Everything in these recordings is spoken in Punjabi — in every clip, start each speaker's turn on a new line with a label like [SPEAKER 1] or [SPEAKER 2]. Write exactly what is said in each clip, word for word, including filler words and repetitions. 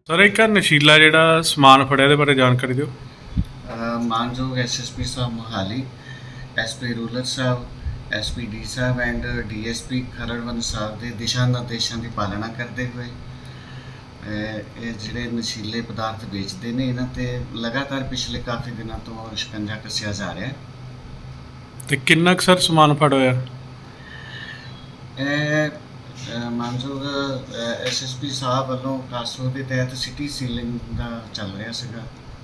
[SPEAKER 1] ਸਰ ਇੱਕ ਆਹ ਨਸ਼ੀਲਾ ਜਿਹੜਾ ਸਮਾਨ ਫੜਿਆ ਇਹਦੇ ਬਾਰੇ ਜਾਣਕਾਰੀ ਦਿਓ।
[SPEAKER 2] ਅ, ਮਾਨਯੋਗ ਐਸਐਸਪੀ ਸਾਹਿਬ ਮੋਹਾਲੀ, ਐਸਪੀ ਰੂਲਰ ਸਾਹਿਬ, ਐਸਪੀਡੀ ਸਾਹਿਬ ਐਂਡ ਡੀਐਸਪੀ ਖਰੜਵੰਦ ਸਾਹਿਬ ਦੇ ਦਿਸ਼ਾ ਨਿਰਦੇਸ਼ਾਂ ਦੀ ਪਾਲਣਾ ਕਰਦੇ ਹੋਏ ਅ, ਇਹ ਜਿਹੜੇ ਨਸ਼ੀਲੇ ਪਦਾਰਥ ਵੇਚਦੇ ਨੇ ਇਹਨਾਂ ਤੇ ਲਗਾਤਾਰ ਪਿਛਲੇ ਕਾਫੀ ਦਿਨਾਂ ਤੋਂ ਸ਼ਿਕੰਜਾ ਕੱਸਿਆ ਜਾ ਰਿਹਾ ਹੈ।
[SPEAKER 1] ਤੇ ਕਿੰਨਾ ਕੁ ਸਰ ਸਮਾਨ ਫੜ ਹੋਇਆ?
[SPEAKER 2] ਇਹ ਅ, ਮਾਨਯੋਗ ਐਸਐਸਪੀ ਸਾਹਿਬ ਵੱਲੋਂ ਕਾਸੋ ਦੇ ਤਹਿਤ ਸਿਟੀ ਸੀਲਿੰਗ ਦਾ ਚੱਲ ਰਿਹਾ ਸੀਗਾ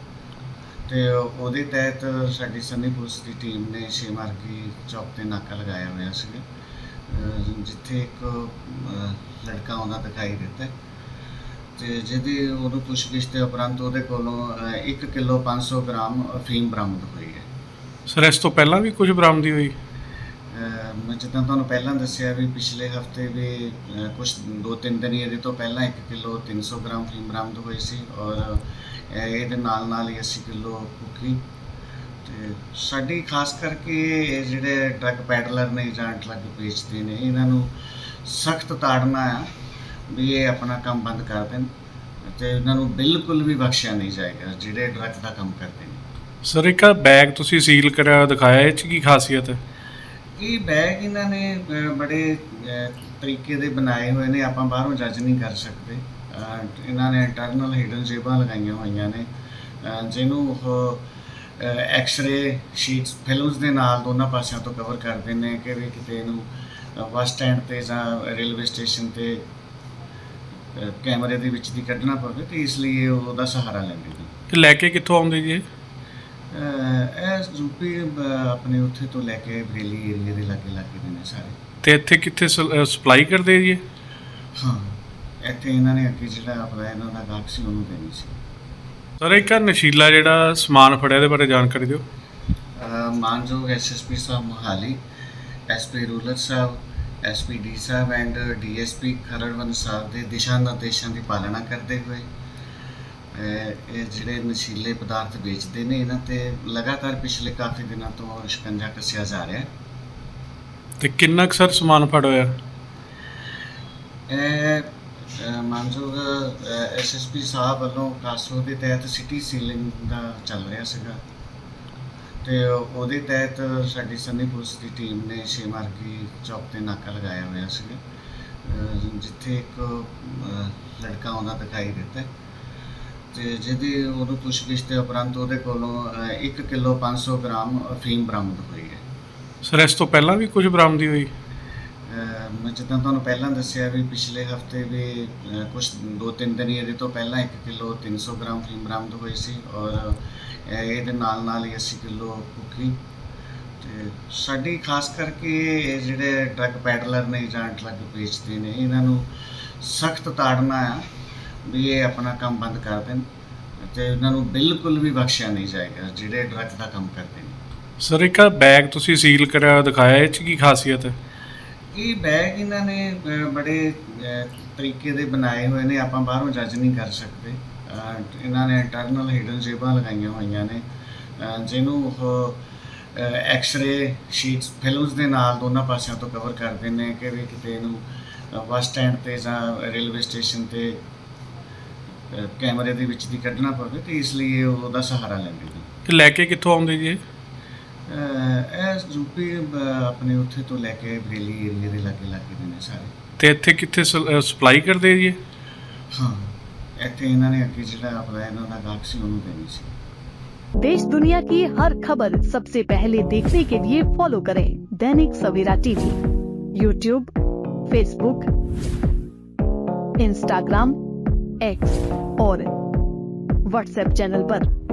[SPEAKER 2] ਤੇ ਉਹਦੇ ਤਹਿਤ ਸਾਡੀ ਸੰਨੀ ਪੁਲਿਸ ਦੀ ਟੀਮ ਨੇ ਛੇ ਮਾਰਗੀ ਚੌਕ ਤੇ ਨਾਕਾ ਲਗਾਇਆ ਹੋਇਆ ਸੀਗਾ, ਅ, ਜਿੱਥੇ ਇੱਕ ਅ, ਲੜਕਾ ਆਉਂਦਾ ਦਿਖਾਈ ਦਿੱਤਾ ਤੇ ਜਿਹਦੀ ਉਹਨੂੰ ਪੁੱਛਗਿੱਛ ਦੇ ਉਪਰੰਤ ਉਹਦੇ ਕੋਲੋਂ ਅ, ਇੱਕ ਕਿਲੋ ਪੰਜ ਸੌ ਗ੍ਰਾਮ ਅਫੀਮ ਬਰਾਮਦ ਹੋਈ ਹੈ।
[SPEAKER 1] ਸਰ ਇਸ ਤੋਂ ਪਹਿਲਾਂ ਵੀ ਕੁਝ ਬਰਾਮਦੀ ਹੋਈ?
[SPEAKER 2] ਅਹ ਮੈਂ ਜਿੱਦਾਂ ਤੁਹਾਨੂੰ ਪਹਿਲਾਂ ਦੱਸਿਆ ਵੀ ਪਿਛਲੇ ਹਫਤੇ ਵੀ ਅਹ ਕੁਛ ਦੋ ਤਿੰਨ ਦਿਨ ਹੀ ਇਹਦੇ ਤੋਂ ਪਹਿਲਾਂ ਇੱਕ ਕਿਲੋ ਤਿੰਨ ਸੌ ਗ੍ਰਾਮ ਫੀਮ ਬਰਾਮਦ ਹੋਈ ਸੀ ਔਰ ਅਹ ਇਹਦੇ ਨਾਲ ਨਾਲ ਹੀ ਅੱਸੀ ਕਿਲੋ ਕੁਕੀ। ਤੇ ਸਾਡੀ ਖਾਸ ਕਰਕੇ ਇਹ ਜਿਹੜੇ ਡਰੱਗ ਪੈਡਲਰ ਨੇ ਜਾਂ ਡਰੱਗ ਵੇਚਦੇ ਨੇ ਇਹਨਾਂ ਨੂੰ ਸਖਤ ਤਾੜਨਾ ਆ ਵੀ ਇਹ ਆਪਣਾ ਕੰਮ ਬੰਦ ਕਰ ਦੇਣ ਤੇ ਇਹਨਾਂ ਨੂੰ ਬਿਲਕੁਲ ਵੀ ਬਖਸ਼ਿਆ ਨਹੀਂ ਜਾਏਗਾ ਜਿਹੜੇ ਡਰੱਗ ਦਾ ਕੰਮ ਕਰਦੇ ਨੇ।
[SPEAKER 1] ਸਰ ਇੱਕ ਆਹ ਬੈਗ ਤੁਸੀਂ ਸੀਲ ਕਰਿਆ ਦਿਖਾਇਆ, ਇਹ 'ਚ ਕੀ ਖਾਸੀਅਤ ਹੈ?
[SPEAKER 2] ਇਹ ਬੈਗ ਇਹਨਾਂ ਨੇ ਅ, ਬੜੇ ਅ, ਤਰੀਕੇ ਦੇ ਬਣਾਏ ਹੋਏ ਨੇ, ਆਪਾਂ ਬਾਹਰੋਂ ਜੱਜ ਨਹੀਂ ਕਰ ਸਕਦੇ। ਅ, ਇਹਨਾਂ ਨੇ ਇੰਟਰਨਲ ਹਿਡਨ ਜੇਬਾਂ ਲਗਾਈਆਂ ਹੋਈਆਂ ਨੇ ਅ, ਜਿਹਨੂੰ ਉਹ ਐਕਸ-ਰੇ ਸ਼ੀਟਸ ਫਿਲਮਸ ਦੇ ਨਾਲ ਦੋਨਾਂ ਪਾਸਿਆਂ ਤੋਂ ਕਵਰ ਕਰਦੇ ਨੇ ਕਿ ਵੀ ਕਿਤੇ ਇਹਨੂੰ ਬੱਸ ਸਟੈਂਡ ਤੇ ਜਾਂ ਰੇਲਵੇ ਸਟੇਸ਼ਨ ਤੇ ਅ, ਕੈਮਰੇ ਦੇ ਵਿੱਚ ਦੀ ਕੱਢਣਾ ਪਵੇ ਤੇ ਇਸ ਲਈ ਇਹ ਉਹਦਾ ਸਹਾਰਾ ਲੈਂਦੇ ਨੇ।
[SPEAKER 1] ਇਹ ਲੈ ਕੇ ਕਿੱਥੋਂ ਆਉਂਦੇ ਜੀ ਇਹ?
[SPEAKER 2] ਅਹ ਇਹ ਯੂਪੀ ਆਪਣੇ ਉੱਥੇ ਤੋਂ ਲੈ ਕੇ ਬਰੇਲੀ ਏਰੀਆ ਦੇ ਲਾਗੇ ਲਾਗੇ ਦੇ ਨੇ ਸਾਰੇ।
[SPEAKER 1] ਤੇ ਇੱਥੇ ਕਿੱਥੇ ਸਪਲਾਈ ਕਰਦੇ ਜੀ ਇਹ?
[SPEAKER 2] ਹਾਂ, ਇੱਥੇ ਇਹਨਾਂ ਨੇ ਅੱਗੇ ਜਿਹੜਾ ਆਪਣਾ ਇਹਨਾਂ ਦਾ ਗਾਹਕ ਸੀ ਉਹਨੂੰ ਦੇਣੀ ਸੀ।
[SPEAKER 1] ਸਰ ਇੱਕ ਆਹ ਨਸ਼ੀਲਾ ਜਿਹੜਾ ਸਮਾਨ ਫੜਿਆ ਇਹਦੇ ਬਾਰੇ ਜਾਣਕਾਰੀ ਦਿਓ।
[SPEAKER 2] ਅਹ ਮਾਨਯੋਗ ਐਸਐਸਪੀ ਸਾਹਿਬ ਮੋਹਾਲੀ, ਐਸਪੀ ਰੂਲਰ ਸਾਹਿਬ, ਐਸਪੀਡੀ ਸਾਹਿਬ ਐਂਡ ਡੀਐਸਪੀ ਖਰੜਵੰਦ ਸਾਹਿਬ ਦੇ ਦਿਸ਼ਾ ਨਿਰਦੇਸ਼ਾਂ ਦੀ ਪਾਲਣਾ ਕਰਦੇ ਹੋਏ ਅਹ ਇਹ ਜਿਹੜੇ ਨਸ਼ੀਲੇ ਪਦਾਰਥ ਵੇਚਦੇ ਨੇ ਇਹਨਾਂ ਤੇ ਲਗਾਤਾਰ ਪਿਛਲੇ ਕਾਫੀ ਦਿਨਾਂ ਤੋਂ ਸ਼ਿਕੰਜਾ ਕੱਸਿਆ ਜਾ ਰਿਹਾ ਹੈ।
[SPEAKER 1] ਤੇ ਕਿੰਨਾ ਕੁ ਸਰ ਸਮਾਨ ਫੜ ਹੋਇਆ?
[SPEAKER 2] ਇਹ ਅ, ਮਾਨਯੋਗ ਐਸਐਸਪੀ ਸਾਹਿਬ ਵੱਲੋਂ ਕਾਸੋ ਦੇ ਤਹਿਤ ਸਿਟੀ ਸੀਲਿੰਗ ਦਾ ਚੱਲ ਰਿਹਾ ਸੀਗਾ ਤੇ ਉਹਦੇ ਤਹਿਤ ਸਾਡੀ ਸੰਨੀ ਪੁਲਿਸ ਦੀ ਟੀਮ ਨੇ ਛੇ ਮਾਰਗੀ ਚੌਕ ਤੇ ਨਾਕਾ ਲਗਾਇਆ ਹੋਇਆ ਸੀਗਾ, ਅ, ਜਿੱਥੇ ਇੱਕ ਅ, ਲੜਕਾ ਆਉਂਦਾ ਦਿਖਾਈ ਦਿੱਤਾ ਤੇ ਜਿਹਦੀ ਉਹਨੂੰ ਪੁੱਛਗਿੱਛ ਦੇ ਉਪਰੰਤ ਉਹਦੇ ਕੋਲੋਂ ਅ, ਇੱਕ ਕਿਲੋ ਪੰਜ ਸੌ ਗ੍ਰਾਮ ਅਫੀਮ ਬਰਾਮਦ ਹੋਈ ਹੈ।
[SPEAKER 1] ਸਰ ਇਸ ਤੋਂ ਪਹਿਲਾਂ ਵੀ ਕੁਝ ਬਰਾਮਦੀ ਹੋਈ?
[SPEAKER 2] ਅਹ ਮੈਂ ਜਿੱਦਾਂ ਤੁਹਾਨੂੰ ਪਹਿਲਾਂ ਦੱਸਿਆ ਵੀ ਪਿਛਲੇ ਹਫਤੇ ਵੀ ਅ, ਕੁਛ ਦੋ ਤਿੰਨ ਦਿਨ ਹੀ ਇਹਦੇ ਤੋਂ ਪਹਿਲਾਂ ਇੱਕ ਕਿਲੋ ਤਿੰਨ ਸੌ ਗ੍ਰਾਮ ਫੀਮ ਬਰਾਮਦ ਹੋਈ ਸੀ ਔਰ ਅ, ਇਹਦੇ ਨਾਲ ਨਾਲ ਹੀ ਅੱਸੀ ਕਿਲੋ ਕੁਕੀ। ਤੇ ਸਾਡੀ ਖਾਸ ਕਰਕੇ ਇਹ ਜਿਹੜੇ ਡਰੱਗ ਪੈਡਲਰ ਨੇ ਜਾਂ ਡਰੱਗ ਵੇਚਦੇ ਨੇ ਇਹਨਾਂ ਨੂੰ ਸਖਤ ਤਾੜਨਾ ਆ ਵੀ ਇਹ ਆਪਣਾ ਕੰਮ ਬੰਦ ਕਰ ਦੇਣ ਤੇ ਇਹਨਾਂ ਨੂੰ ਬਿਲਕੁਲ ਵੀ ਬਖਸ਼ਿਆ ਨਹੀਂ ਜਾਏਗਾ ਜਿਹੜੇ ਡਰੱਗ ਦਾ ਕੰਮ ਕਰਦੇ ਨੇ।
[SPEAKER 1] ਸਰ ਇੱਕ ਆਹ ਬੈਗ ਤੁਸੀਂ ਸੀਲ ਕਰਿਆ ਦਿਖਾਇਆ, ਇਹ 'ਚ ਕੀ ਖਾਸੀਅਤ ਹੈ?
[SPEAKER 2] ਇਹ ਬੈਗ ਇਹਨਾਂ ਨੇ ਅ, ਬੜੇ ਅ, ਤਰੀਕੇ ਦੇ ਬਣਾਏ ਹੋਏ ਨੇ, ਆਪਾਂ ਬਾਹਰੋਂ ਜੱਜ ਨਹੀਂ ਕਰ ਸਕਦੇ। ਅ, ਇਹਨਾਂ ਨੇ ਇੰਟਰਨਲ ਹਿਡਨ ਜੇਬਾਂ ਲਗਾਈਆਂ ਹੋਈਆਂ ਨੇ ਅ, ਜਿਹਨੂੰ ਉਹ ਐਕਸ-ਰੇ ਸ਼ੀਟਸ ਫਿਲਮਸ ਦੇ ਨਾਲ ਦੋਨਾਂ ਪਾਸਿਆਂ ਤੋਂ ਕਵਰ ਕਰਦੇ ਨੇ ਕਿ ਵੀ ਕਿਤੇ ਇਹਨੂੰ ਬੱਸ ਸਟੈਂਡ ਤੇ ਜਾਂ ਰੇਲਵੇ ਸਟੇਸ਼ਨ ਤੇ ਅ, ਕੈਮਰੇ ਦੇ ਵਿੱਚ ਦੀ ਕੱਢਣਾ ਪਵੇ ਤੇ ਇਸ ਲਈ ਇਹ ਉਹਦਾ ਸਹਾਰਾ ਲੈਂਦੇ ਨੇ।
[SPEAKER 1] ਇਹ ਲੈ ਕੇ ਕਿੱਥੋਂ ਆਉਂਦੇ ਜੀ ਇਹ?
[SPEAKER 2] ਅਹ ਇਹ ਯੂਪੀ ਆਪਣੇ ਉੱਥੇ ਤੋਂ ਲੈ ਕੇ ਬਰੇਲੀ ਏਰੀਆ ਦੇ ਲਾਗੇ ਲਾਗੇ ਦੇ ਨੇ ਸਾਰੇ।
[SPEAKER 1] ਤੇ ਇੱਥੇ ਕਿੱਥੇ ਸਪਲਾਈ ਕਰਦੇ ਜੀ ਇਹ?
[SPEAKER 2] ਹਾਂ, ਇੱਥੇ ਇਹਨਾਂ ਨੇ ਅੱਗੇ ਜਿਹੜਾ ਆਪਣਾ ਇਹਨਾਂ ਦਾ ਗਾਹਕ ਸੀ ਉਹਨੂੰ ਦੇਣੀ ਸੀ।
[SPEAKER 3] देश दुनिया की हर खबर सबसे पहले देखने के लिए फॉलो करें Dainik Savera TV, YouTube, Facebook, Instagram, X और व्हाट्सएप चैनल पर।